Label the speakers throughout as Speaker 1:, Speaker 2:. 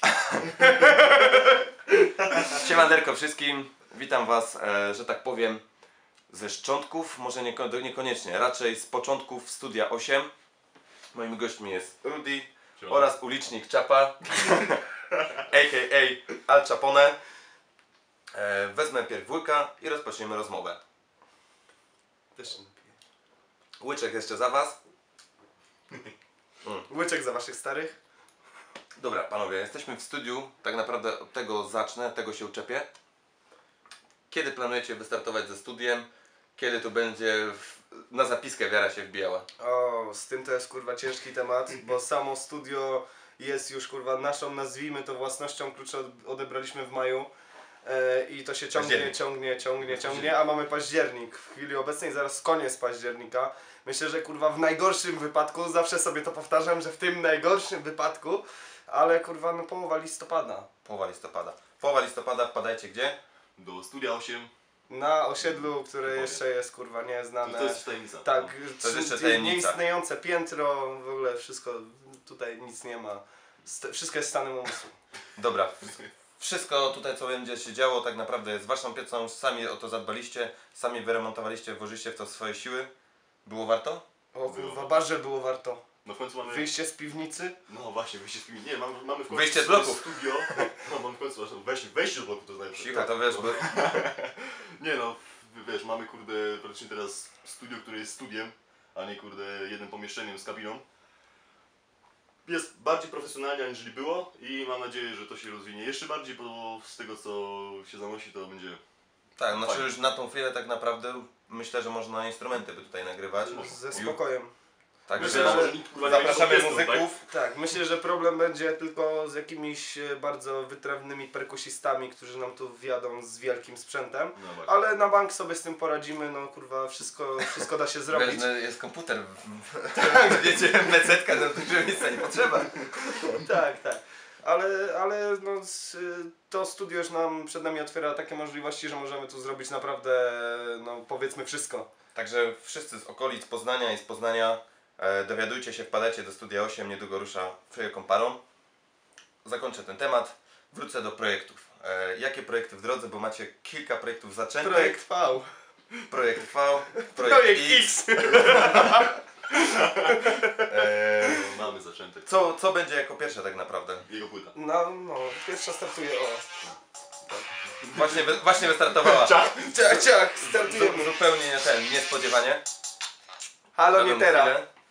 Speaker 1: Siemanderko wszystkim, witam was, że tak powiem, ze szczątków, może niekoniecznie, raczej z początków Studia 8. Moimi gośćmi jest Rudy oraz ulicznik Czapa, a.k.a. Al Capone. Wezmę pierw łyka i rozpoczniemy rozmowę.
Speaker 2: Też się napiję.
Speaker 1: Łyczek jeszcze za was.
Speaker 2: Łyczek za waszych starych.
Speaker 1: Dobra, panowie, jesteśmy w studiu, tak naprawdę od tego zacznę, tego się uczepię. Kiedy planujecie wystartować ze studiem? Kiedy tu będzie na zapiskę wiara się wbijała?
Speaker 2: O, z tym to jest kurwa ciężki temat, bo samo studio jest już kurwa naszą, nazwijmy to własnością, klucze odebraliśmy w maju. I to się ciągnie, a mamy październik. W chwili obecnej zaraz koniec października. Myślę, że kurwa w najgorszym wypadku, zawsze sobie to powtarzam, że w tym najgorszym wypadku, ale kurwa no połowa listopada.
Speaker 1: Połowa listopada wpadajcie gdzie?
Speaker 3: Do Studia 8.
Speaker 2: Na osiedlu, które jeszcze jest kurwa nieznane.
Speaker 3: To jest tajemnica.
Speaker 2: Tak,
Speaker 1: To jest jeszcze tajemnica.
Speaker 2: Nieistniejące piętro, w ogóle wszystko, tutaj nic nie ma. Wszystko jest stanem umysłu.
Speaker 1: Dobra, wszystko tutaj co będzie się działo tak naprawdę jest waszą piecą, sami o to zadbaliście, sami wyremontowaliście, włożyliście w to swoje siły. Było warto?
Speaker 2: O kurwa, bardzo było warto.
Speaker 3: No w końcu mamy...
Speaker 2: Wyjście z piwnicy?
Speaker 3: No właśnie, wyjście z piwnicy. Nie, mamy w końcu
Speaker 1: Wyjście z bloków.
Speaker 3: studio. No mamy w końcu wejście do bloku, to znaczy.
Speaker 1: Cicho, to wiesz, bo...
Speaker 3: Nie no, wiesz, mamy kurde praktycznie teraz studio, które jest studiem, a nie kurde jednym pomieszczeniem z kabiną. Jest bardziej profesjonalnie aniżeli było i mam nadzieję, że to się rozwinie jeszcze bardziej, bo z tego co się zanosi to będzie...
Speaker 1: Tak, znaczy
Speaker 3: fajnie.
Speaker 1: już na tą chwilę tak naprawdę myślę, że można instrumenty by tutaj nagrywać.
Speaker 2: Ze spokojem.
Speaker 1: Także
Speaker 2: Myślę, że
Speaker 3: nikt, kurwa, nie
Speaker 1: zapraszamy
Speaker 3: jest
Speaker 1: muzyków.
Speaker 2: Tak, myślę, że problem będzie tylko z jakimiś bardzo wytrawnymi perkusistami, którzy nam tu wjadą z wielkim sprzętem.
Speaker 3: No właśnie.
Speaker 2: Ale na bank sobie z tym poradzimy, no kurwa, wszystko da się zrobić.
Speaker 1: Wiesz, no, jest komputer. Wiecie, mecetka do dużego miejsca nie potrzeba.
Speaker 2: Tak. Ale no, to studio już nam przed nami otwiera takie możliwości, że możemy tu zrobić naprawdę, no powiedzmy wszystko.
Speaker 1: Także wszyscy z okolic Poznania i z Poznania dowiadujcie się, wpadajcie do Studia 8, niedługo rusza wielką parą. Zakończę ten temat, wrócę do projektów. Jakie projekty w drodze, bo macie kilka projektów zaczętych.
Speaker 2: Projekt V.
Speaker 1: Projekt V,
Speaker 2: Projekt X.
Speaker 3: Mamy zaczęte.
Speaker 1: Co będzie jako pierwsze tak naprawdę?
Speaker 3: Jego płyta.
Speaker 2: No, pierwsza startuje
Speaker 1: Właśnie wystartowała.
Speaker 2: Ciach, startujemy.
Speaker 1: Zupełnie niespodziewanie.
Speaker 2: Halo, nie teraz.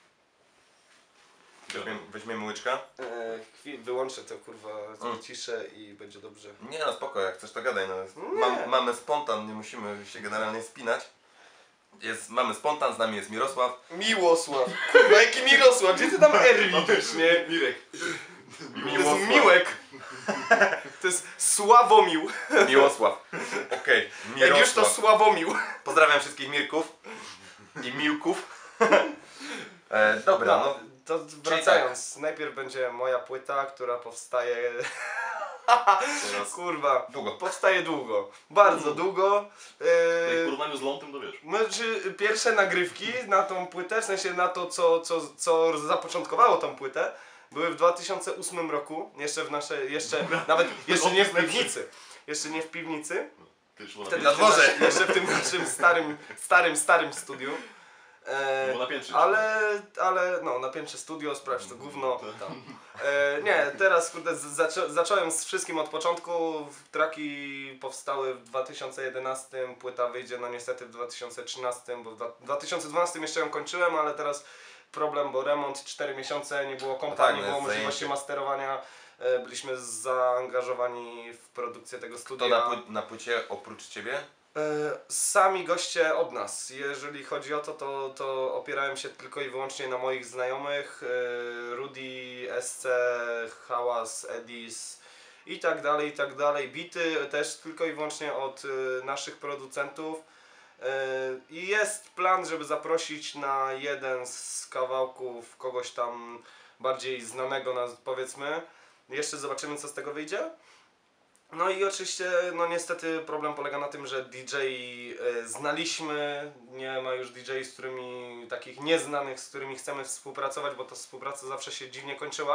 Speaker 1: Weźmiemy łyczka.
Speaker 2: Wyłączę to kurwa, ciszę i będzie dobrze.
Speaker 1: Nie no spoko, jak chcesz to gadaj. No. Mamy spontan, nie musimy się generalnie spinać. Mamy spontan, z nami jest Mirosław.
Speaker 2: Miłosław. Kurwa, jaki Mirosław? Gdzie ty tam R widzisz, nie?
Speaker 3: Mirek.
Speaker 2: To jest Miłek. To jest Sławomił.
Speaker 1: Miłosław. Okej.
Speaker 2: Jak już to Sławomił.
Speaker 1: Pozdrawiam wszystkich Mirków i Miłków. Dobra, no.
Speaker 2: To wracając, najpierw będzie moja płyta, która powstaje... Kurwa,
Speaker 1: Długo.
Speaker 2: powstaje długo. Bardzo długo.
Speaker 3: W porównaniu z Lądem to wiesz.
Speaker 2: Znaczy, pierwsze nagrywki na tą płytę, w sensie na to, co zapoczątkowało tą płytę, były w 2008 roku, jeszcze nie w piwnicy. Jeszcze nie w piwnicy. Wtedy
Speaker 1: Na dworze.
Speaker 2: Jeszcze w tym naszym starym studiu.
Speaker 3: Było na piętrze.
Speaker 2: Ale no, na piętrze studio, sprawdź to gówno. Tam. Nie, teraz kurde, zacząłem z wszystkim od początku. Traki powstały w 2011, płyta wyjdzie no niestety w 2013, bo w 2012 jeszcze ją kończyłem, ale teraz problem, bo remont 4 miesiące, nie było kompa,
Speaker 1: tak,
Speaker 2: nie
Speaker 1: no
Speaker 2: było
Speaker 1: jest
Speaker 2: możliwości
Speaker 1: zajęcie.
Speaker 2: masterowania. Byliśmy zaangażowani w produkcję tego
Speaker 1: Kto
Speaker 2: studia.
Speaker 1: na płycie oprócz ciebie?
Speaker 2: Sami goście od nas. Jeżeli chodzi o to opierałem się tylko i wyłącznie na moich znajomych. Rudy, SC, Hałas, Edis i tak dalej. Bity też tylko i wyłącznie od naszych producentów. I jest plan, żeby zaprosić na jeden z kawałków kogoś tam bardziej znanego, powiedzmy. Jeszcze zobaczymy, co z tego wyjdzie. No i oczywiście, no niestety problem polega na tym, że DJ znaliśmy, nie ma już DJ, takich nieznanych, z którymi chcemy współpracować, bo ta współpraca zawsze się dziwnie kończyła.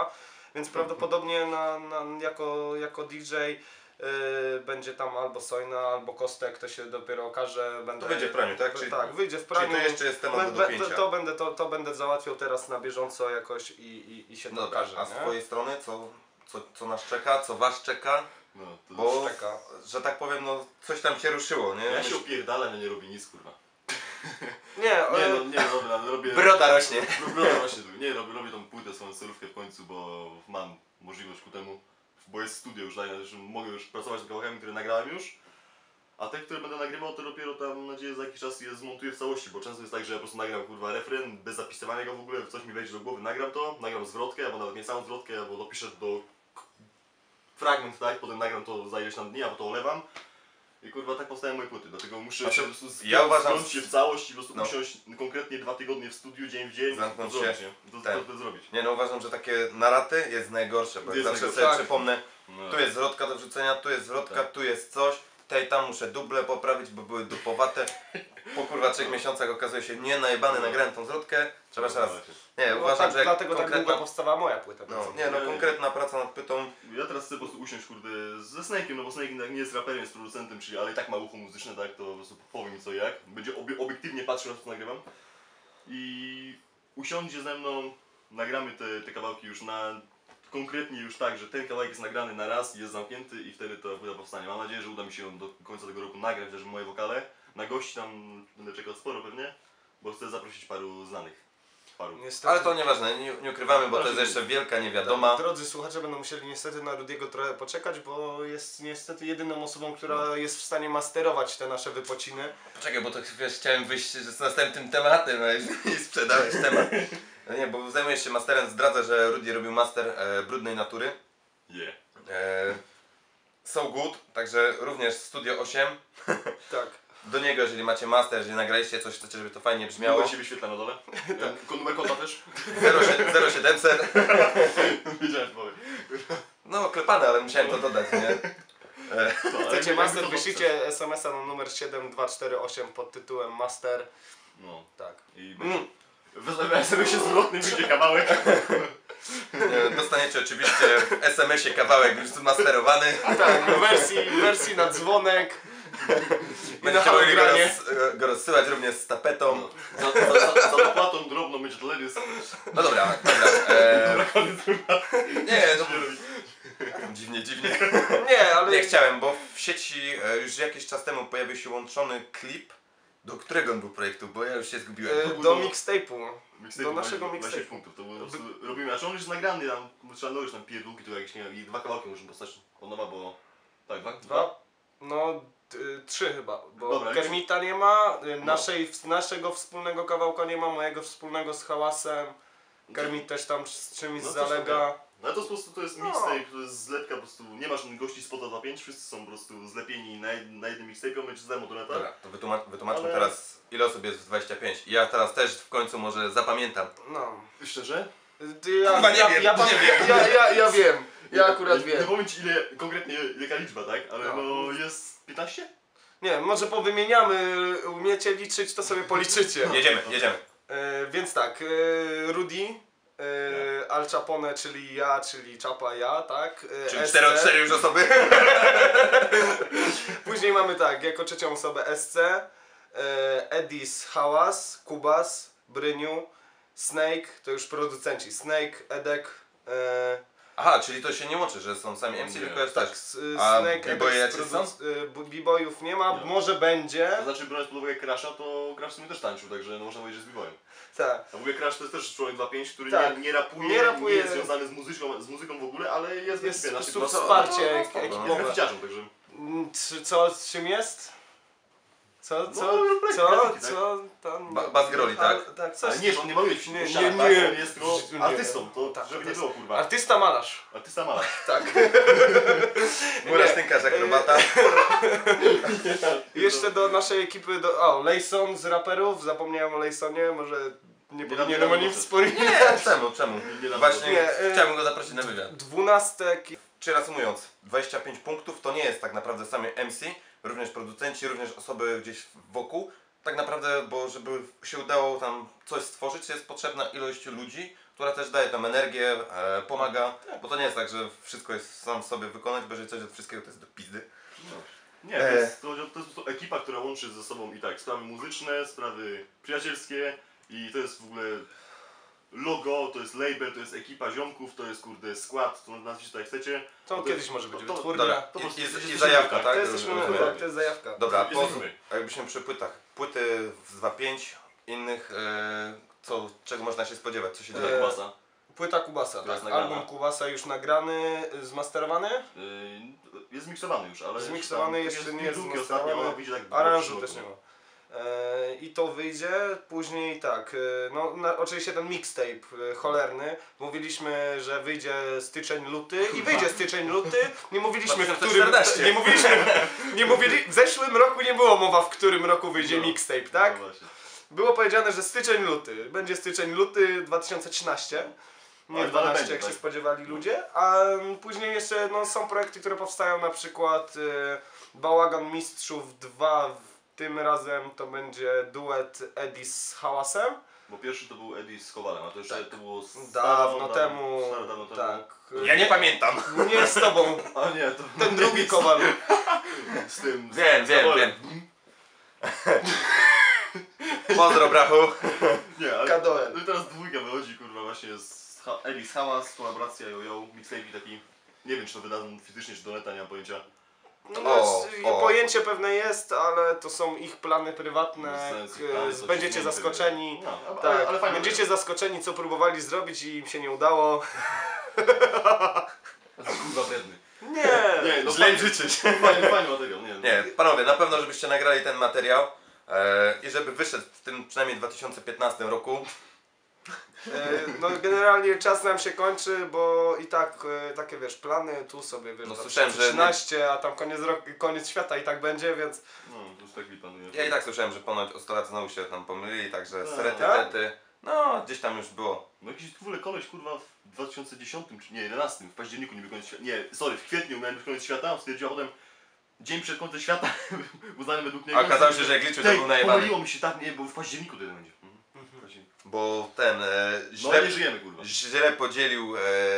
Speaker 2: więc prawdopodobnie jako DJ będzie tam albo Sojna, albo Kostek, to się dopiero okaże.
Speaker 1: To wyjdzie w praniu, tak?
Speaker 2: Tak, wyjdzie w praniu.
Speaker 1: Czyli to jeszcze jest temat do dopięcia.
Speaker 2: To będę załatwiał teraz na bieżąco jakoś i się to
Speaker 1: Dobra,
Speaker 2: okaże.
Speaker 1: a z
Speaker 2: nie?
Speaker 1: twojej strony co nas czeka, co was czeka?
Speaker 3: No, to
Speaker 1: Bo,
Speaker 2: czeka.
Speaker 1: że tak powiem, no coś tam się ruszyło, nie?
Speaker 3: ja się opierdalam, ja nie robię nic, kurwa.
Speaker 2: Nie,
Speaker 3: Dobra, ale robię...
Speaker 1: Broda rośnie.
Speaker 3: Broda właśnie tu. Nie, robię tą płytę, swoją solówkę w końcu, bo mam możliwość ku temu. Bo jest studio już, tak, że mogę już pracować nad kawałkami, które nagrałem już. A te, które będę nagrywał, to dopiero tam, mam nadzieję, za jakiś czas je zmontuję w całości, bo często jest tak, że ja po prostu nagram kurwa refren, bez zapisywania go w ogóle, coś mi wejdzie do głowy, nagram zwrotkę, albo nawet nie samą zwrotkę, albo dopiszę do fragment, tak, potem nagram to za ileś tam dni, a potem to olewam. I kurwa tak powstają moje płyty, dlatego muszę
Speaker 1: Znaczy,
Speaker 3: się po prostu
Speaker 1: ja uważam,
Speaker 3: spiąć się w całość i po prostu
Speaker 1: no.
Speaker 3: usiąść konkretnie 2 tygodnie w studiu, dzień w dzień,
Speaker 1: Zamknąć
Speaker 3: to
Speaker 1: się.
Speaker 3: zrobić, nie? To zrobić.
Speaker 1: Nie no, uważam, że takie naraty jest najgorsze, bo jak
Speaker 3: Jest
Speaker 1: zawsze
Speaker 3: najgorsze.
Speaker 1: sobie
Speaker 2: Tak.
Speaker 1: przypomnę,
Speaker 3: No.
Speaker 1: tu jest zwrotka do wrzucenia, tu jest zwrotka,
Speaker 3: Tak.
Speaker 1: tu jest coś, tutaj tam muszę duble poprawić, bo były dupowate. Po kurwa 3 miesiącach okazuje się, nie najebany,
Speaker 3: No.
Speaker 1: nagrałem tą zwrotkę, trzeba jeszcze raz. Nie,
Speaker 2: no
Speaker 1: uważam,
Speaker 2: tak,
Speaker 1: że jak
Speaker 2: dlatego tak
Speaker 1: konkretna,
Speaker 2: długo powstała moja płyta.
Speaker 1: no, nie no, konkretna praca nad pytą,
Speaker 3: Ja teraz chcę po prostu usiąść kurde ze Snake'iem, no bo Snake nie jest raperem, jest producentem, czyli ale i tak ma ucho muzyczne, tak, to po prostu powie mi co i jak. Będzie obiektywnie patrzył na to, co nagrywam. I usiądzie ze mną, nagramy te kawałki już konkretnie już tak, że ten kawałek jest nagrany na raz i jest zamknięty i wtedy to płyta powstanie. Mam nadzieję, że uda mi się ją do końca tego roku nagrać też moje wokale. Na gości tam będę czekał sporo pewnie, bo chcę zaprosić paru znanych.
Speaker 2: Niestety,
Speaker 1: ale to nieważne, nie ukrywamy, bo to jest jeszcze wielka niewiadoma.
Speaker 2: Drodzy słuchacze będą musieli niestety na Rudiego trochę poczekać, bo jest niestety jedyną osobą, która jest w stanie masterować te nasze wypociny.
Speaker 1: Poczekaj, bo to wiesz, chciałem wyjść z następnym tematem, a już i sprzedałeś temat. No nie, bo zajmujesz się masterem, zdradzę, że Rudy robił master Brudnej Natury.
Speaker 3: Yeah.
Speaker 1: So Good, także również Studio 8.
Speaker 2: Tak.
Speaker 1: Do niego, jeżeli macie master, jeżeli nagraliście coś, chcecie, żeby to fajnie brzmiało.
Speaker 3: Miało się wyświetla na dole. Numer konta też.
Speaker 1: 0700.
Speaker 3: Wiedziałem, że powiem.
Speaker 1: No klepane, ale musiałem to dodać, nie?
Speaker 2: Chcecie master, wyślijcie SMS-a na numer 7248 pod tytułem master.
Speaker 3: No.
Speaker 2: Tak.
Speaker 3: I wezmę sobie się zwrotny, wyjdzie kawałek.
Speaker 1: Dostaniecie oczywiście w SMS-ie kawałek już zmasterowany.
Speaker 2: Tak, w wersji na dzwonek.
Speaker 1: Będziecie
Speaker 2: na
Speaker 1: mogli
Speaker 2: nagranie.
Speaker 1: go rozsyłać również z tapetą.
Speaker 3: No. Za dopłatą drobną będzie teledysk.
Speaker 1: No dobra, nie, no dziwnie.
Speaker 2: Nie, ale
Speaker 1: Nie chciałem, bo w sieci już jakiś czas temu pojawił się łączony klip. Do którego on był projektu? Bo ja już się zgubiłem.
Speaker 2: do mixtape'u. Do naszego
Speaker 3: 20
Speaker 2: mixtape'u.
Speaker 3: punktów, to było po prostu robimy, a czy on już jest nagrany tam, trzeba nowić tam pierdółki, to jakieś, nie wiem, i 2 kawałki możemy postać od nowa, bo... Tak, 2?
Speaker 2: Dwa? No, 3 chyba, bo
Speaker 3: Dobra,
Speaker 2: Kermita nie ma, naszego wspólnego kawałka nie ma, mojego wspólnego z Hałasem. Kermit też tam z czymś
Speaker 3: No,
Speaker 2: zalega.
Speaker 3: No to jest po prostu, to jest mixtape, to jest zlepka po prostu, nie masz gości z Pota 2.5, wszyscy są po prostu zlepieni na jednym mixtape'ie, on będzie z demo donata.
Speaker 1: Dobra, to wytłumaczmy
Speaker 3: Ale-
Speaker 1: teraz, ile osób jest w 25. Ja teraz też w końcu może zapamiętam.
Speaker 2: No.
Speaker 3: Szczerze?
Speaker 1: Kurwa, nie wiem,
Speaker 2: Ja wiem. Ja akurat
Speaker 3: Nie
Speaker 2: wiem.
Speaker 3: powiem ci ile, konkretnie jaka liczba, tak? Ale
Speaker 2: No.
Speaker 3: no jest 15?
Speaker 2: Nie, może powymieniamy, umiecie liczyć, to sobie policzycie.
Speaker 1: Jedziemy.
Speaker 2: Więc tak, Rudy, Al Capone, czyli ja, czyli Czapa ja, tak?
Speaker 1: Czyli
Speaker 2: SC.
Speaker 1: 4 już osoby.
Speaker 2: Później mamy tak, jako trzecią osobę SC, Edis, Hałas, Kubas, Bryniu, Snake, to już producenci, Snake, Edek,
Speaker 1: Aha, czyli to się nie łączy, że są sami MC,
Speaker 3: Nie.
Speaker 1: tylko jest
Speaker 2: tak,
Speaker 1: tak.
Speaker 2: Snake,
Speaker 1: b-boye
Speaker 2: Edek,
Speaker 1: jacyś są?
Speaker 2: b-boyów nie ma,
Speaker 3: Nie.
Speaker 2: może będzie,
Speaker 3: To znaczy biorąc pod uwagę Crasha, to Crash w sumie też tańczył, także no można powiedzieć, że z b-boyem.
Speaker 2: tak.
Speaker 3: A w ogóle Crash to jest też człowiek 2.5, który
Speaker 2: Tak.
Speaker 3: nie rapuje,
Speaker 2: Nie rapuje.
Speaker 3: nie jest związany z muzyką w ogóle, ale jest
Speaker 2: Jest
Speaker 3: w
Speaker 2: po
Speaker 3: ekipie.
Speaker 2: prostu wsparcie
Speaker 3: Jest
Speaker 2: ekipowe.
Speaker 3: graficiarzem, także...
Speaker 2: Czym jest? Co tam?
Speaker 1: Bas groli, tak?
Speaker 2: Tak, coś.
Speaker 3: Ale nie, że on nie maluje w
Speaker 2: Nie,
Speaker 3: ścianach,
Speaker 2: nie,
Speaker 3: tak?
Speaker 2: nie.
Speaker 3: On jest tylko
Speaker 2: Nie.
Speaker 3: artystą, to
Speaker 2: Tak,
Speaker 3: żeby nie
Speaker 2: artysta.
Speaker 3: było kurwa.
Speaker 2: Artysta malarz.
Speaker 3: Artysta malarz.
Speaker 2: Tak.
Speaker 1: Murarz, tynkarz, akrobata.
Speaker 2: Jeszcze do naszej ekipy, Lejson z raperów, zapomniałem o Lejsonie, może nie powinienem o nim wspominać.
Speaker 1: Nie, czemu?
Speaker 3: Nie dam
Speaker 1: Właśnie
Speaker 2: Nie,
Speaker 1: chciałbym go zaprosić na wywiad.
Speaker 2: 12.
Speaker 1: Czyli reasumując, 25 punktów to nie jest tak naprawdę sami MC, również producenci, również osoby gdzieś wokół. Tak naprawdę, bo żeby się udało tam coś stworzyć, jest potrzebna ilość ludzi, która też daje tam energię, pomaga, bo to nie jest tak, że wszystko jest sam sobie wykonać, bo jeżeli coś od wszystkiego to jest do pizdy.
Speaker 3: No. Nie, to jest to ekipa, która łączy ze sobą i tak sprawy muzyczne, sprawy przyjacielskie i to jest w ogóle logo, to jest label, to jest ekipa ziomków, to jest kurde skład, to nazwijcie tak jak chcecie.
Speaker 2: To
Speaker 3: To
Speaker 2: kiedyś
Speaker 3: jest-
Speaker 2: może być
Speaker 3: to-
Speaker 2: wytwórnia.
Speaker 1: Dobra,
Speaker 3: po prostu
Speaker 1: i
Speaker 3: jesteśmy
Speaker 1: zajawka,
Speaker 3: tak.
Speaker 1: tak?
Speaker 2: To jesteśmy,
Speaker 1: Rozumiem.
Speaker 2: tak, to jest zajawka.
Speaker 1: Dobra,
Speaker 3: Jesteśmy.
Speaker 1: jakbyśmy przy płytach, płyty z 2.5, innych, czego można się spodziewać, co się dzieje?
Speaker 3: Kubasa.
Speaker 2: Płyta Kubasa,
Speaker 3: Która
Speaker 2: tak.
Speaker 3: jest nagrana.
Speaker 2: Album Kubasa już nagrany, zmasterowany.
Speaker 3: Jest zmiksowany już, ale
Speaker 2: Zmiksowany
Speaker 3: już tam
Speaker 2: jeszcze nie
Speaker 3: jest
Speaker 2: jest
Speaker 3: ostatnio,
Speaker 2: zmasterowany.
Speaker 3: ona wyjdzie tak w
Speaker 2: Aranżu
Speaker 3: przyszłym
Speaker 2: też nie
Speaker 3: roku.
Speaker 2: ma. I to wyjdzie, później tak, oczywiście ten mixtape cholerny, mówiliśmy, że wyjdzie styczeń, luty i wyjdzie styczeń, luty, nie mówiliśmy w którym,
Speaker 1: 2014.
Speaker 2: w zeszłym roku nie było mowa w którym roku wyjdzie
Speaker 3: No.
Speaker 2: mixtape, tak?
Speaker 3: No właśnie.
Speaker 2: Było powiedziane, że styczeń, luty, będzie styczeń, luty 2013. Nie
Speaker 3: Ale
Speaker 2: 12
Speaker 3: będzie,
Speaker 2: jak się
Speaker 3: tak.
Speaker 2: spodziewali ludzie, a później jeszcze są projekty, które powstają, na przykład Bałagan Mistrzów 2, tym razem to będzie duet Eddie z Hałasem.
Speaker 3: Bo pierwszy to był Eddie z Kowalem, a to jeszcze to było
Speaker 2: Dawno temu,
Speaker 3: dawno temu.
Speaker 2: tak.
Speaker 1: Ja nie pamiętam.
Speaker 2: Nie z tobą,
Speaker 3: A nie, to
Speaker 2: ten drugi Kowal.
Speaker 3: z tym.
Speaker 1: Wiem.
Speaker 3: Kowalem.
Speaker 1: Pozdro, brachu.
Speaker 3: Nie, ale
Speaker 2: Kadoel.
Speaker 3: no i teraz dwójka wychodzi, kurwa, właśnie Eddie z Hałas, kolaboracja Yo-Yo, mixtape taki, nie wiem czy to wydadzą fizycznie czy do neta, nie mam pojęcia.
Speaker 2: Pojęcie pewne jest, ale to są ich plany prywatne,
Speaker 3: Bez sensu, plany, co się
Speaker 2: będziecie
Speaker 3: zmieni,
Speaker 2: zaskoczeni.
Speaker 3: No,
Speaker 2: Tak,
Speaker 3: ale fajnie.
Speaker 2: będziecie zaskoczeni, co próbowali zrobić i im się nie udało.
Speaker 3: Kurwa wredny.
Speaker 2: Nie,
Speaker 3: no
Speaker 1: Źle im życzyć.
Speaker 3: fajny materiał, nie.
Speaker 1: Nie, panowie, na pewno żebyście nagrali ten materiał i żeby wyszedł w tym przynajmniej 2015 roku.
Speaker 2: No generalnie czas nam się kończy, bo i tak takie wiesz, plany tu sobie wiesz,
Speaker 1: No,
Speaker 2: na
Speaker 1: słyszałem, że
Speaker 2: 13, a tam koniec świata i tak będzie, więc
Speaker 3: No, to już tak planuję.
Speaker 1: Ja i tak słyszałem, że ponoć ostolacy znowu się tam pomylili, także
Speaker 3: Tak.
Speaker 1: serety,
Speaker 2: Tak?
Speaker 1: rety. No, gdzieś tam już było.
Speaker 3: No jakiś w ogóle koleś kurwa w 2010 czy nie, 11 w październiku niby koniec świata. Nie, sorry, w kwietniu miałem być koniec świata, stwierdził, a potem dzień przed końcem świata uznany według niego.
Speaker 1: A okazało się, że jak liczył, to
Speaker 3: Tej,
Speaker 1: był najebany.
Speaker 3: pomyliło mi się tak, nie, bo w październiku to będzie. W październiku.
Speaker 1: Bo ten
Speaker 3: No
Speaker 1: źle,
Speaker 3: nie żyjemy kurwa.
Speaker 1: źle podzielił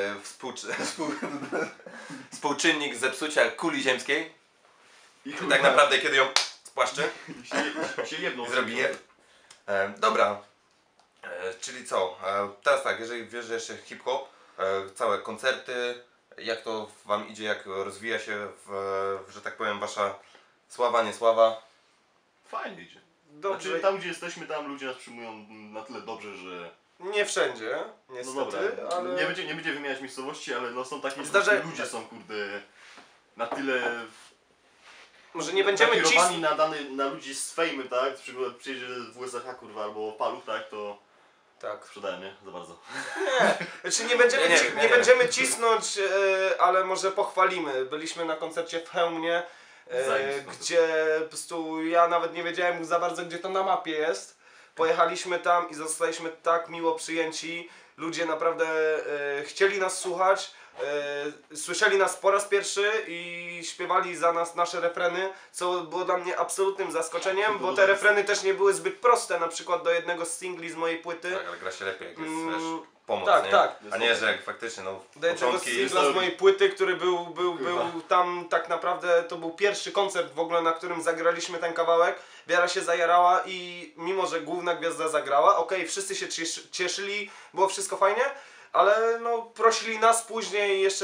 Speaker 1: współczynnik zepsucia kuli ziemskiej.
Speaker 3: I
Speaker 1: I tak naprawdę kiedy ją spłaszczy
Speaker 3: się jedną
Speaker 1: i zrobi jeb. Dobra. Czyli co? Teraz tak, jeżeli wiesz, że jeszcze hip-hop, całe koncerty, jak to wam idzie, jak rozwija się, że tak powiem, wasza sława, niesława?
Speaker 3: Fajnie idzie.
Speaker 2: dobrze,
Speaker 3: Znaczy tam gdzie jesteśmy, tam ludzie nas przyjmują na tyle dobrze, że...
Speaker 2: nie wszędzie,
Speaker 3: No
Speaker 2: niestety,
Speaker 3: dobra,
Speaker 2: ale
Speaker 3: nie będzie wymieniać miejscowości, ale no są takie ludzie są kurde na tyle
Speaker 2: może nie będziemy
Speaker 3: nakierowani na ludzi z fejmy, tak? Na przykład przyjedzie w USH kurwa albo Paluch, tak? To
Speaker 2: tak.
Speaker 3: sprzedają, nie? Za bardzo.
Speaker 2: Znaczy nie będziemy,
Speaker 1: Nie.
Speaker 2: będziemy cisnąć, ale może pochwalimy. Byliśmy na koncercie w Chełmie,
Speaker 3: Zajebisty koncert.
Speaker 2: gdzie po prostu ja nawet nie wiedziałem za bardzo, gdzie to na mapie jest. Pojechaliśmy tam i zostaliśmy tak miło przyjęci. Ludzie naprawdę chcieli nas słuchać, słyszeli nas po raz pierwszy i śpiewali za nas nasze refreny, co było dla mnie absolutnym zaskoczeniem, bo te refreny też nie były zbyt proste, na przykład do jednego z singli z mojej płyty.
Speaker 1: Tak, ale gra się lepiej, jak jest
Speaker 2: Mm,
Speaker 1: wiesz, pomoc,
Speaker 2: tak,
Speaker 1: nie?
Speaker 2: tak.
Speaker 1: A nie, że jak faktycznie, no,
Speaker 2: Do jednego
Speaker 1: początki...
Speaker 2: singla z mojej płyty, który był
Speaker 3: Kurwa.
Speaker 2: tam tak naprawdę, to był pierwszy koncert w ogóle, na którym zagraliśmy ten kawałek. Wiara się zajarała i mimo, że główna gwiazda zagrała, okej, wszyscy się cieszyli, było wszystko fajnie, ale no prosili nas później jeszcze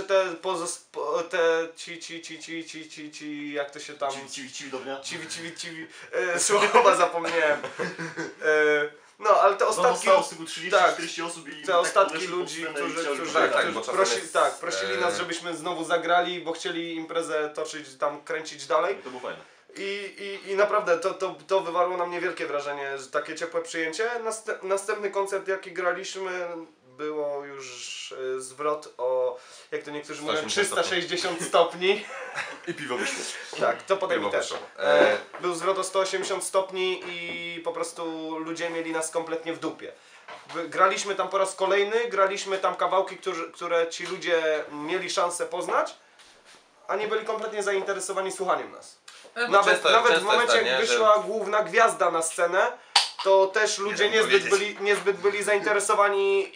Speaker 2: ci, jak to się tam...
Speaker 3: Ci do dnia.
Speaker 2: Ciwi, słowa zapomniałem. No, ale te ostatki...
Speaker 3: Zostało z tego 30-40 osób i
Speaker 2: Te
Speaker 3: tak
Speaker 2: ostatki
Speaker 3: podeszli pod
Speaker 2: ludzi,
Speaker 3: scenę i
Speaker 2: którzy
Speaker 3: chcieli
Speaker 1: tak,
Speaker 3: grać.
Speaker 1: bo czasem jest,
Speaker 2: prosili nas, żebyśmy znowu zagrali, bo chcieli imprezę toczyć, tam kręcić dalej.
Speaker 3: To było fajne.
Speaker 2: I naprawdę to wywarło na mnie wielkie wrażenie, że takie ciepłe przyjęcie. Następny koncert, jaki graliśmy, było już zwrot o, jak to niektórzy mówią, 360 stopni.
Speaker 3: I piwo wyszło.
Speaker 2: Tak, to potem
Speaker 1: Piwo
Speaker 2: mi też.
Speaker 1: wyszło.
Speaker 2: Był zwrot o 180 stopni i po prostu ludzie mieli nas kompletnie w dupie. Graliśmy tam po raz kolejny, graliśmy tam kawałki, które ci ludzie mieli szansę poznać, a nie byli kompletnie zainteresowani słuchaniem nas. Nawet w momencie,
Speaker 1: tak,
Speaker 2: jak wyszła główna gwiazda na scenę, to też ludzie
Speaker 1: Nie wiem
Speaker 2: niezbyt byli zainteresowani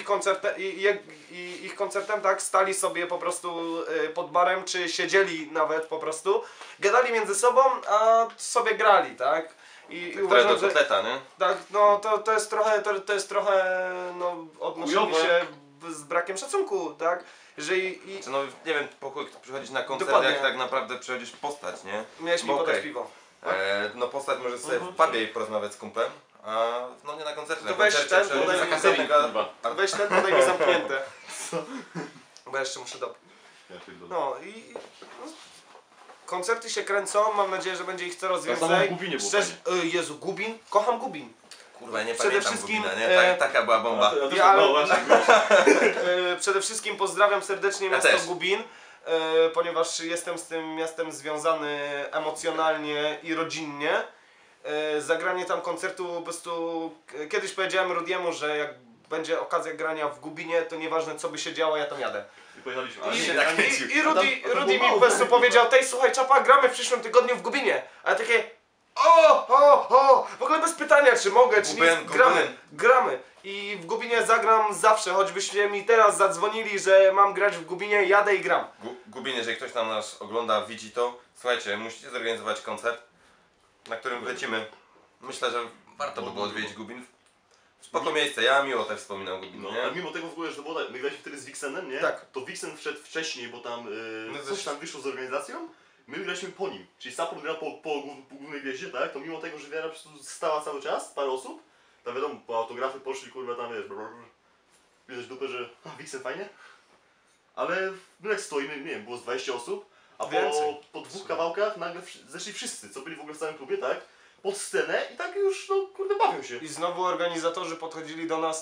Speaker 2: ich koncertem, tak? Stali sobie po prostu pod barem, czy siedzieli nawet po prostu, gadali między sobą, a sobie grali, tak? I uważam,
Speaker 1: do kotleta, nie?
Speaker 2: tak, no to jest trochę no, odnoszenie
Speaker 3: Chujowe.
Speaker 2: się z brakiem szacunku, tak? Jeżeli
Speaker 1: No nie wiem, po chuj przychodzić na koncert,
Speaker 2: Dokładnie.
Speaker 1: jak tak naprawdę przychodzisz postać, nie?
Speaker 2: miałeś mi
Speaker 1: Bo
Speaker 2: podać
Speaker 1: okej.
Speaker 2: piwo.
Speaker 1: No postać może sobie w pubie i porozmawiać z kumplem, a no nie na koncercie.
Speaker 2: To
Speaker 1: Na
Speaker 2: weź
Speaker 1: koncercie
Speaker 2: ten,
Speaker 1: przychodzisz
Speaker 2: podaj
Speaker 1: za
Speaker 2: mi
Speaker 1: kasetnika,
Speaker 3: kurwa.
Speaker 2: Weź ten, podaj mi zamknięte. Bo ja jeszcze muszę dopić.
Speaker 3: Ja pierdolę.
Speaker 2: No i no, koncerty się kręcą, mam nadzieję, że będzie ich coraz
Speaker 3: Tak samo
Speaker 2: więcej.
Speaker 3: w Gubinie było
Speaker 2: Szczerze, Jezu, Gubin? Kocham Gubin.
Speaker 1: Kurwa, ja nie
Speaker 2: Przede
Speaker 1: pamiętam
Speaker 2: wszystkim,
Speaker 1: Gubina, nie? Taka była bomba.
Speaker 3: No właśnie,
Speaker 2: Przede wszystkim pozdrawiam serdecznie
Speaker 1: Ja
Speaker 2: miasto
Speaker 1: też.
Speaker 2: Gubin, ponieważ jestem z tym miastem związany emocjonalnie i rodzinnie. Zagranie tam koncertu po prostu... Kiedyś powiedziałem Rudiemu, że jak będzie okazja grania w Gubinie, to nieważne co by się działo, ja tam jadę.
Speaker 3: I pojechaliśmy.
Speaker 2: I Rudy mi po prostu powiedział, tej słuchaj czapa, gramy w przyszłym tygodniu w Gubinie. A ja takie w ogóle bez pytania czy mogę, czy nie, gramy. I w Gubinie zagram zawsze, choćbyście mi teraz zadzwonili, że mam grać w Gubinie, jadę i gram.
Speaker 1: Gubin, jeżeli ktoś tam nas ogląda, widzi to, słuchajcie, musicie zorganizować koncert, na którym lecimy. Myślę, że warto by było odwiedzić Gubin. Spoko miejsce, ja miło też wspominam Gubin,
Speaker 3: No,
Speaker 1: nie?
Speaker 3: ale mimo tego w ogóle, że to było tak, my graliśmy wtedy z Wixenem, nie?
Speaker 2: Tak.
Speaker 3: To Wixen wszedł wcześniej, bo tam
Speaker 2: No
Speaker 3: coś tam wyszło z organizacją. My graliśmy po nim. Czyli Support grał po głównej gwieździe, tak? To mimo tego, że wiara po prostu stała cały czas, parę osób, tam wiadomo, po autografy poszli, kurwa, tam wiesz, widać dupę, że Wixen fajnie. Ale my jak stoimy, nie wiem, było z 20 osób, a
Speaker 2: Więcej.
Speaker 3: po dwóch kawałkach nagle zeszli wszyscy, co byli w ogóle w całym klubie, tak? Pod scenę i tak już, no kurde, bawią się.
Speaker 2: I znowu organizatorzy podchodzili do nas,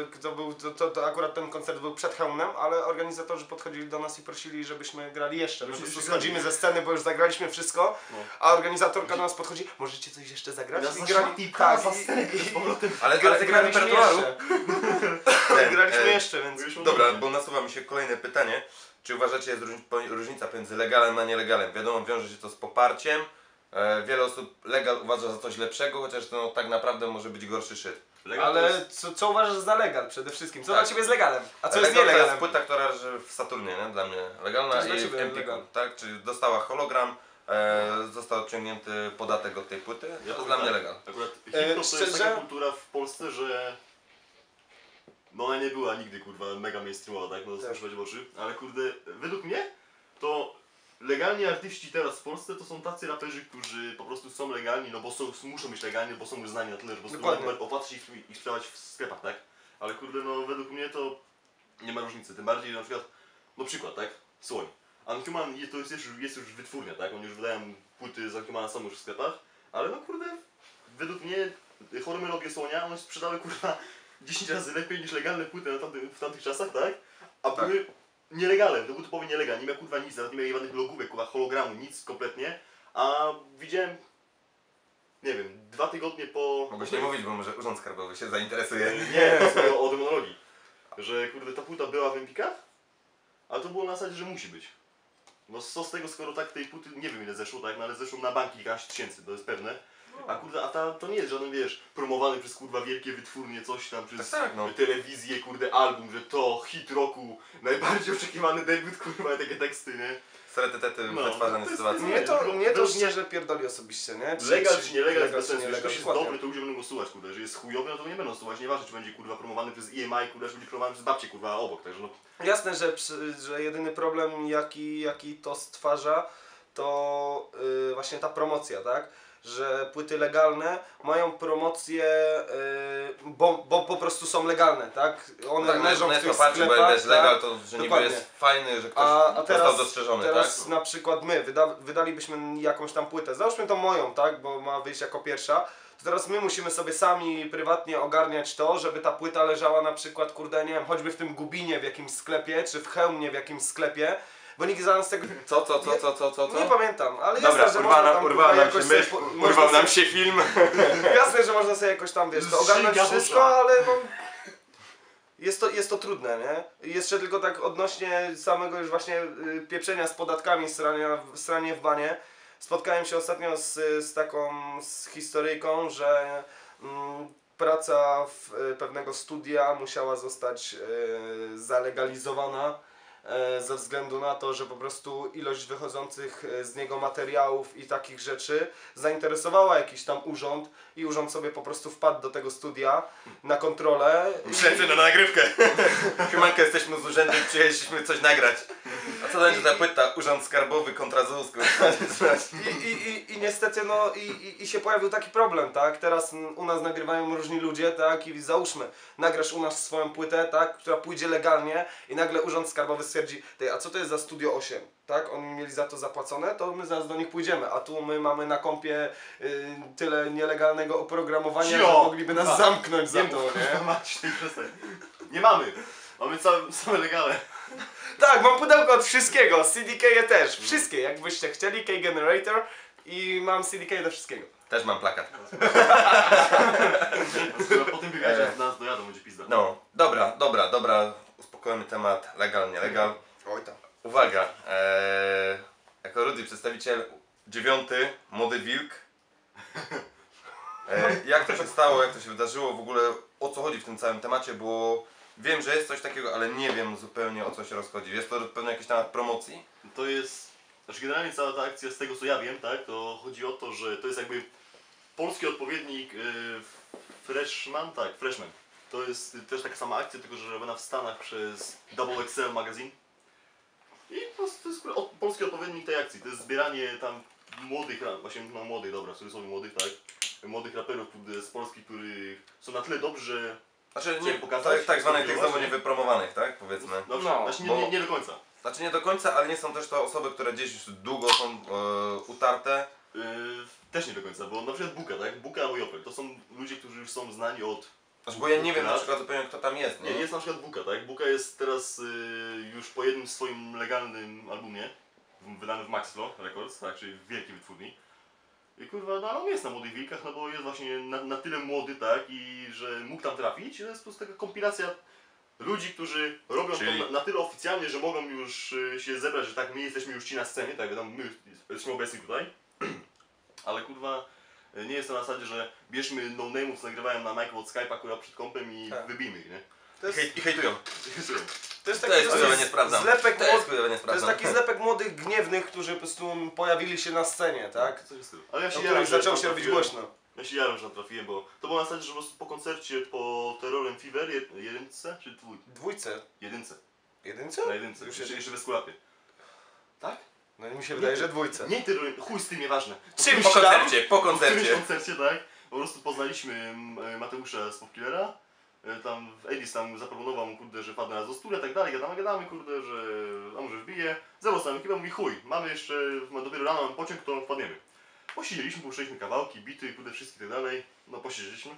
Speaker 2: to akurat ten koncert był przed hełmem, ale organizatorzy podchodzili do nas i prosili, żebyśmy grali jeszcze. My po
Speaker 3: Żebyśmy
Speaker 2: prostu
Speaker 3: grali.
Speaker 2: schodzimy ze sceny, bo już zagraliśmy wszystko,
Speaker 3: No.
Speaker 2: a organizator do nas podchodzi, możecie coś jeszcze zagrać?
Speaker 3: Nas
Speaker 2: I
Speaker 3: zaczęli
Speaker 2: grali,
Speaker 3: pchać
Speaker 2: tak,
Speaker 3: za scenę z powrotem.
Speaker 1: Ale ty gra repertuaru.
Speaker 2: Graliśmy jeszcze, więc...
Speaker 1: Dobra, bo nasuwa mi się kolejne pytanie. Czy uważacie, jest różnica pomiędzy legalem a nielegalem? Wiadomo, wiąże się to z poparciem. Wiele osób legal uważa za coś lepszego, chociaż to tak naprawdę może być gorszy shit.
Speaker 2: Ale co uważasz za legal przede wszystkim? Co
Speaker 1: Tak.
Speaker 2: dla ciebie jest legalem? A co jest
Speaker 1: Legal to jest
Speaker 2: nielegalem?
Speaker 1: płyta, która leży w Saturnie, nie? Dla mnie
Speaker 2: To
Speaker 1: legalna
Speaker 2: jest dla
Speaker 1: i w
Speaker 2: ciebie
Speaker 1: Empiku,
Speaker 2: legal.
Speaker 1: tak? Czyli dostała hologram, został odciągnięty podatek od tej płyty, to jest dla mnie legal.
Speaker 3: Akurat hip-hop to
Speaker 2: szczerze?
Speaker 3: jest taka kultura w Polsce, że no ona nie była nigdy kurwa mega mainstreamowa, tak? No
Speaker 2: Tak.
Speaker 3: słyszeć w oczy, ale kurde, według mnie to legalni artyści teraz w Polsce to są tacy raperzy, którzy po prostu są legalni, no bo muszą być legalni, bo są uznani na tyle, że po prostu
Speaker 2: Dokładnie.
Speaker 3: opłaca się ich sprzedawać w sklepach, tak? Ale kurde, no według mnie to nie ma różnicy, tym bardziej na przykład, no przykład, tak? Słoń. Unhuman to jest już wytwórnia, tak? Oni już wydają płyty z Unhumana, są już w sklepach, ale no kurde, według mnie chore melodie Słonia, one sprzedały kurwa 10 razy lepiej niż legalne płyty w tamtych czasach, tak? A
Speaker 1: Tak.
Speaker 3: były nielegalne, to był typowy nielegal, nie miał kurwa nic, nawet nie miał żadnych logówek, kurwa hologramu, nic kompletnie. A widziałem, nie wiem, 2 tygodnie po...
Speaker 1: Mogłeś nie mówić, bo może Urząd Skarbowy się zainteresuje.
Speaker 3: Nie, to jest o demonologii. Że kurde ta płyta była w Empikach, a to było na zasadzie, że musi być. No co z tego, skoro tak tej płyty, nie wiem ile zeszło, tak, no ale zeszło na banki kilkaś tysięcy, to jest pewne. A kurde, to nie jest żaden, wiesz, promowany przez kurwa wielkie wytwórnie, coś tam, przez
Speaker 1: Tak, no.
Speaker 3: telewizję, kurde, album, że to hit roku, najbardziej oczekiwany debiut, kurwa, takie teksty, nie?
Speaker 1: Seretety
Speaker 3: No,
Speaker 1: wytwarzane
Speaker 3: to jest-
Speaker 1: sytuacje.
Speaker 2: Mnie to
Speaker 3: Według
Speaker 2: szczerze pierdoli osobiście, nie?
Speaker 3: Legal czy nielegal jest bez sensu,
Speaker 2: czy
Speaker 3: jeżeli ktoś jest
Speaker 2: dokładnie.
Speaker 3: dobry, to ludzie będą go słuchać, kurde, jeżeli jest chujowy, no to nie będą słuchać, nieważne czy będzie kurwa promowany przez EMI, kurde, czy będzie promowany przez babcię, kurwa, obok, także no...
Speaker 2: Jasne, że jedyny problem jaki to stwarza, to właśnie ta promocja, tak? Że płyty legalne mają promocję, bo po prostu są legalne, tak? One
Speaker 1: Tak,
Speaker 2: leżą w
Speaker 1: net
Speaker 2: tych
Speaker 1: poparcie, bo
Speaker 2: sklepach,
Speaker 1: jest
Speaker 2: tak?
Speaker 1: legal, to że niby
Speaker 2: Dokładnie.
Speaker 1: jest fajny, że ktoś
Speaker 2: A
Speaker 1: został dostrzeżony,
Speaker 2: teraz
Speaker 1: tak?
Speaker 2: na przykład my wydalibyśmy jakąś tam płytę, załóżmy tą moją, tak? Bo ma wyjść jako pierwsza. To teraz my musimy sobie sami prywatnie ogarniać to, żeby ta płyta leżała na przykład, kurde, nie wiem, choćby w tym Gubinie w jakimś sklepie, czy w Chełmie w jakimś sklepie, bo nikt za nas tego...
Speaker 1: Co?
Speaker 2: Nie pamiętam, ale
Speaker 1: Dobra,
Speaker 2: jasne, że można tam
Speaker 1: urwała nam się
Speaker 2: jakoś
Speaker 1: myśl,
Speaker 2: sobie,
Speaker 1: urwał nam się film.
Speaker 2: Jasne, że można sobie jakoś tam, wiesz, to ogarnąć
Speaker 3: Zżynka
Speaker 2: wszystko,
Speaker 3: dusza.
Speaker 2: ale no... Jest to trudne, nie? I jeszcze tylko tak odnośnie samego już właśnie pieprzenia z podatkami, sranie w banie. Spotkałem się ostatnio z taką historyjką, że Praca pewnego studia musiała zostać zalegalizowana ze względu na to, że po prostu ilość wychodzących z niego materiałów i takich rzeczy zainteresowała jakiś tam urząd i urząd sobie po prostu wpadł do tego studia na kontrolę.
Speaker 1: Przylecę na nagrywkę. Siemanko, jesteśmy z urzędu i przyjechaliśmy coś nagrać. A co będzie za płyta? Urząd Skarbowy kontra ZUS.
Speaker 2: I niestety no i się pojawił taki problem, tak? Teraz u nas nagrywają różni ludzie, tak? I załóżmy, nagrasz u nas swoją płytę, tak? Która pójdzie legalnie i nagle Urząd Skarbowy stwierdzi, a co to jest za Studio 8? Tak? Oni mieli za to zapłacone, to my zaraz do nich pójdziemy, a tu my mamy na kompie tyle nielegalnego oprogramowania, że mogliby nas zamknąć za to, nie?
Speaker 3: Macie, przestań. Nie mamy. Mamy same legale.
Speaker 2: Tak, mam pudełko od wszystkiego, CDK też, wszystkie, jakbyście chcieli, K-Generator i mam CDK do wszystkiego.
Speaker 1: Też mam plakat.
Speaker 3: Po tym wywiadzie nas dojadą, będzie pizda.
Speaker 1: No, dobra. Uspokojmy temat, legal, nielegal.
Speaker 2: Oj tam.
Speaker 1: Uwaga, jako Rudy przedstawiciel 9, Młody Wilk. Jak to się stało, jak to się wydarzyło, w ogóle o co chodzi w tym całym temacie, bo wiem, że jest coś takiego, ale nie wiem zupełnie o co się rozchodzi. Jest to pewnie jakiś temat promocji?
Speaker 3: To jest, znaczy generalnie cała ta akcja, z tego co ja wiem, tak, to chodzi o to, że to jest jakby polski odpowiednik Freshman. To jest też taka sama akcja, tylko że robiona w Stanach przez Double XL Magazine. I po prostu to jest polski odpowiednik tej akcji. To jest zbieranie tam młodych, właśnie no młodych, dobra, w cudzysłowie młodych, tak, młodych raperów z Polski, którzy są na tyle dobrzy, że
Speaker 1: Znaczy
Speaker 3: nie pokazać,
Speaker 1: tak zwanych tych
Speaker 3: spróbować,
Speaker 1: znowu niewypromowanych, tak, powiedzmy.
Speaker 3: no,
Speaker 2: No,
Speaker 3: właśnie
Speaker 1: bo-
Speaker 3: nie do końca.
Speaker 1: Znaczy nie do końca, ale nie są też to osoby, które gdzieś już długo są utarte.
Speaker 3: Też nie do końca, bo na przykład Buka, tak? Buka albo Jopel, to są ludzie, którzy już są znani od...
Speaker 1: Znaczy, bo ja nie wiem na przykład zupełnie kto tam jest,
Speaker 3: Nie,
Speaker 1: nie?
Speaker 3: jest na przykład Buka, tak? Buka jest teraz już po jednym swoim legalnym albumie, wydanym w Maxflow Records, tak? Czyli w wielkiej wytwórni. I kurwa, no on jest na Młodych Wilkach, no bo jest właśnie na tyle młody, tak? I że mógł tam trafić. To jest po prostu taka kompilacja ludzi, którzy robią
Speaker 1: Czyli-
Speaker 3: to na tyle oficjalnie, że mogą już się zebrać, że tak, my jesteśmy już ci na scenie, tak? Wiadomo, my jesteśmy obecni tutaj. Ale kurwa, nie jest to na zasadzie, że bierzmy no-name'ów, co nagrywają na Michael od Skype'a, kurwa, przed kompem i
Speaker 2: Tak.
Speaker 3: wybijmy ich, nie?
Speaker 2: To jest,
Speaker 1: I hejtują.
Speaker 2: to jest
Speaker 1: To
Speaker 2: taki
Speaker 1: jest chujowe, nie
Speaker 2: dosyć
Speaker 1: sprawdzam.
Speaker 2: zlepek
Speaker 1: To jest
Speaker 2: młodych.
Speaker 1: chujowe, nie
Speaker 2: To jest
Speaker 1: sprawdzam.
Speaker 2: taki zlepek młodych, gniewnych, którzy po prostu pojawili się na scenie, tak?
Speaker 3: Coś w stylu. Ale ja
Speaker 2: O
Speaker 3: się
Speaker 2: których
Speaker 3: jaram, że
Speaker 2: zaczęło
Speaker 3: tam
Speaker 2: się robić
Speaker 3: trafiłem.
Speaker 2: głośno.
Speaker 3: Ja się jaram, że tam trafiłem, bo to było na zasadzie, że po prostu po koncercie, po Terrorem Fever, jedynce czy
Speaker 2: Dwójce.
Speaker 3: jedynce?
Speaker 2: Jedynce?
Speaker 3: Na jedynce,
Speaker 2: Już
Speaker 3: jeszcze bez kulapy. Tak?
Speaker 2: No i mi się wydaje, że dwójce.
Speaker 3: Nie Terrorem, chuj z tym, nieważne.
Speaker 2: Czymś
Speaker 1: Po
Speaker 2: tam.
Speaker 1: koncercie, po
Speaker 3: Po którymś
Speaker 1: koncercie.
Speaker 3: koncercie, tak? Po prostu poznaliśmy Mateusza z Popkillera. Tam Edis tam zaproponował mu, kurde, że padnę na Zosturę i tak dalej, gadamy, kurde, że a może wbije. Zabrał sam ekipę, mówi chuj, mamy jeszcze, dopiero rano mamy pociąg, to wpadniemy. Posiedzieliśmy, puszczaliśmy kawałki, bity, kurde, wszystkie i tak dalej. No posiedzieliśmy.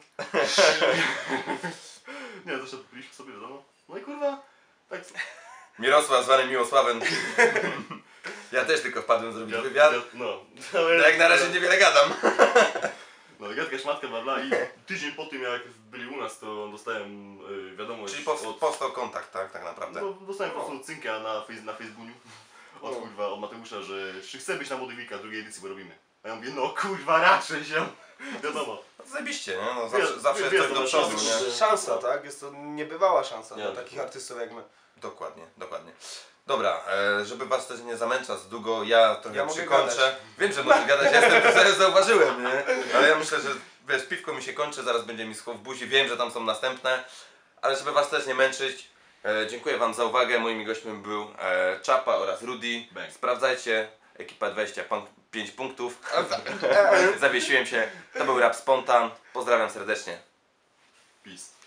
Speaker 3: Nie, zresztą piliśmy sobie, wiadomo. No i kurwa, tak...
Speaker 1: Mirosław zwany Miłosławem. Ja też tylko wpadłem zrobić wywiad.
Speaker 3: No.
Speaker 1: No jak na razie niewiele gadam.
Speaker 3: No, gadka szmatka, bla bla i tydzień po tym jak byli u nas, to dostałem wiadomość
Speaker 1: Czyli
Speaker 3: od...
Speaker 1: powstał kontakt, tak naprawdę.
Speaker 3: No, dostałem po prostu cynka na Facebooku od kurwa, od Mateusza, że czy chce być na Młodych Wilkach drugiej edycji, bo robimy. A ja mówię, no kurwa, raczej się. Wiadomo.
Speaker 1: No to zajebiście, nie? No,
Speaker 3: Wiesz,
Speaker 1: zawsze
Speaker 3: wiesz,
Speaker 1: jest coś do
Speaker 3: to
Speaker 1: przodu,
Speaker 3: znaczy,
Speaker 1: nie?
Speaker 3: że-
Speaker 2: Szansa, tak? Jest to niebywała szansa
Speaker 3: Nie,
Speaker 2: dla
Speaker 3: to-
Speaker 2: takich artystów jak my.
Speaker 1: Dokładnie. Dobra, żeby was też nie zamęczać długo, ja trochę
Speaker 2: Ja mogę
Speaker 1: przykończę.
Speaker 2: gadać.
Speaker 1: Wiem, że możesz gadać, ja jestem to zauważyłem, nie? Ale ja myślę, że wiesz, piwko mi się kończy, zaraz będzie mi schło w buzi, wiem, że tam są następne. Ale żeby was też nie męczyć, dziękuję wam za uwagę. Moimi gośćmi był Czapa oraz Rudy.
Speaker 3: Bang.
Speaker 1: Sprawdzajcie, ekipa 25 punktów. Zawiesiłem się, to był Rap Spontan. Pozdrawiam serdecznie.
Speaker 3: Peace.